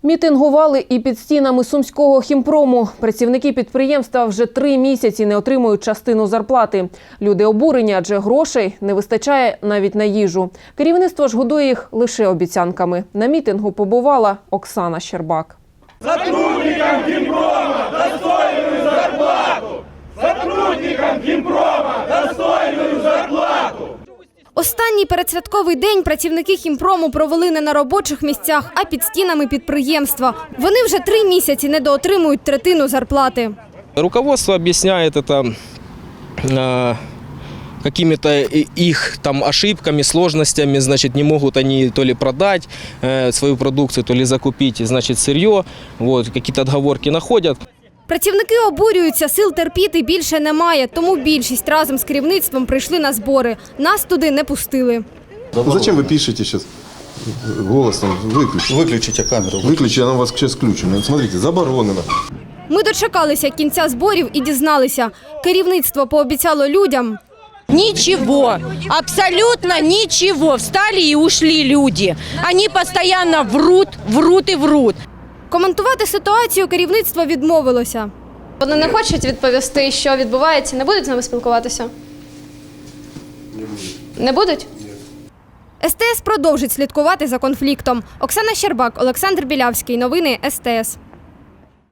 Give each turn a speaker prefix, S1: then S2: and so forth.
S1: Мітингували і під стінами Сумського хімпрому. Працівники підприємства вже 3 місяці не отримують частину зарплати. Люди обурені, адже грошей не вистачає навіть на їжу. Керівництво ж годує їх лише обіцянками. На мітингу побувала Оксана Щербак.
S2: Сотрудникам хімпрома достойну зарплату! Сотрудникам хімпрома достойну зарплату!
S3: Останній передсвятковий день працівники хімпрому провели не на робочих місцях, а під стінами підприємства. Вони вже 3 місяці недоотримують третину зарплати.
S4: Руководство объясняет это какими-то их там ошибками, сложностями, значит, не могут они то ли продать свою продукцию, то ли закупить, значит, сырье, вот, какие-то отговорки находят.
S3: Працівники обурюються, сил терпіти більше немає, тому більшість разом з керівництвом прийшли на збори. Нас туди не пустили.
S5: Зачем вы пишете сейчас? Голос там выключите.
S6: Выключите камеру.
S5: Выключите, она у вас сейчас включена. Смотрите, заборонено.
S3: Ми дочекалися кінця зборів і дізналися. Керівництво пообіцяло людям.
S7: Ничего, абсолютно ничего. Встали и ушли люди. Они постоянно врут, врут и врут.
S3: Коментувати ситуацію керівництво відмовилося.
S8: Вони не хочуть відповісти, що відбувається, не будуть з нами спілкуватися? Не будуть?
S3: СТС продовжить слідкувати за конфліктом. Оксана Щербак, Олександр Білявський. Новини СТС.